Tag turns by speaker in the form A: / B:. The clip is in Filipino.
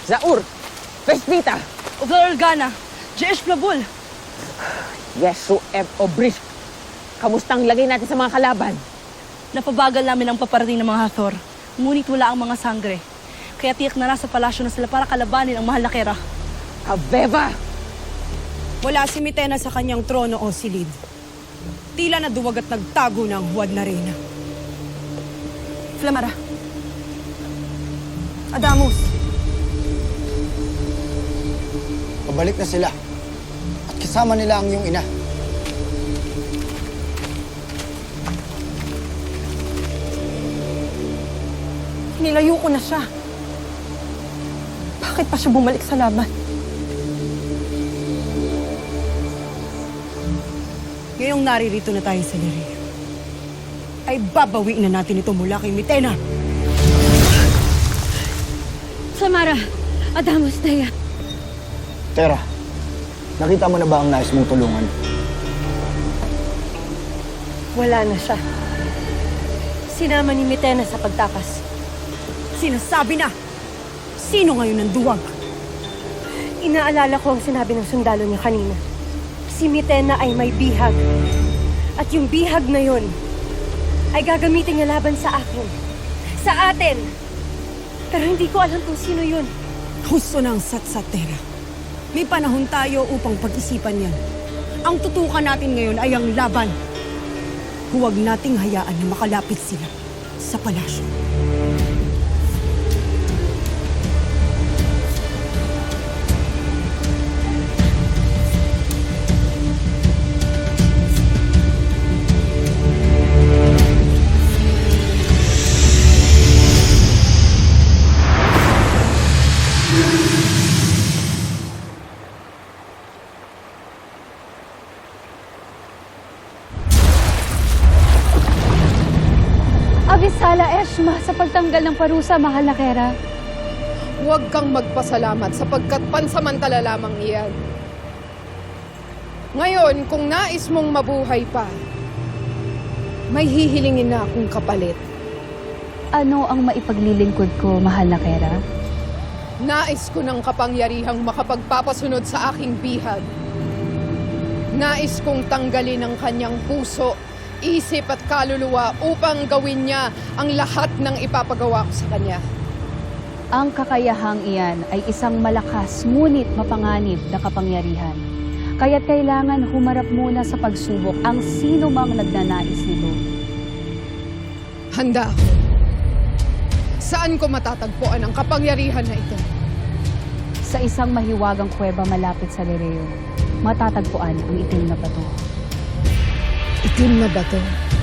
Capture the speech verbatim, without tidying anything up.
A: Zaur! Vespita!
B: Uglar Organa, Jesh Plabul.
A: Yesu Eb Obrisk! Kamustang lagay natin sa mga kalaban?
B: Napabagal namin ang paparating ng mga Hathor. Ngunit wala ang mga sangre. Kaya tiyak na nasa palasyo na sila para kalabanin ang mahal na Kera.
A: Aveva!
C: Wala si Mitena sa kanyang trono o silid. Tila na duwag at nagtago ng huwad na reyna. Flamara. Adamus.
D: Pabalik na sila. At kasama nila ang iyong ina.
C: Nilayo ko na siya. Bakit pa siya bumalik sa laban? Ngayong naririto na tayo sa Liria, ay babawiin na natin ito mula kay Mitena.
E: Samara, Adamus, Daya.
D: Tera, nakita mo na ba ang nais mong tulungan?
E: Wala na siya. Sinama ni Mitena sa pagtakas.
C: Sinasabi na! Sino ngayon ang duwag?
E: Inaalala ko ang sinabi ng sundalo niya kanina. Si Mitena ay may bihag. At yung bihag na yon ay gagamitin niya laban sa akin. Sa atin! Pero hindi ko alam kung sino yun.
C: Husto ng satsatera. May panahon tayo upang pag-isipan yan. Ang tutukan natin ngayon ay ang laban. Huwag nating hayaan na makalapit sila sa palasyo.
F: Abisala Eshma sa pagtanggal ng parusa, mahal na Kera.
G: Huwag kang magpasalamat sapagkat pansamantala lamang iyan. Ngayon, kung nais mong mabuhay pa, may hihilingin na akong kapalit.
F: Ano ang maipaglilingkod ko, mahal na Kera?
G: Nais ko ng kapangyarihang makapagpapasunod sa aking bihag. Nais kong tanggalin ang kanyang puso, isip at kaluluwa upang gawin niya ang lahat ng ipapagawa ko sa kanya.
F: Ang kakayahang iyan ay isang malakas ngunit mapanganib na kapangyarihan. Kaya't kailangan humarap muna sa pagsubok ang sino mang nagnanais nito.
G: Handa ako. Saan ko matatagpuan ang kapangyarihan na ito?
F: Sa isang mahiwagang kuweba malapit sa Lireo, matatagpuan ang itim na bato.
G: Itim na bato.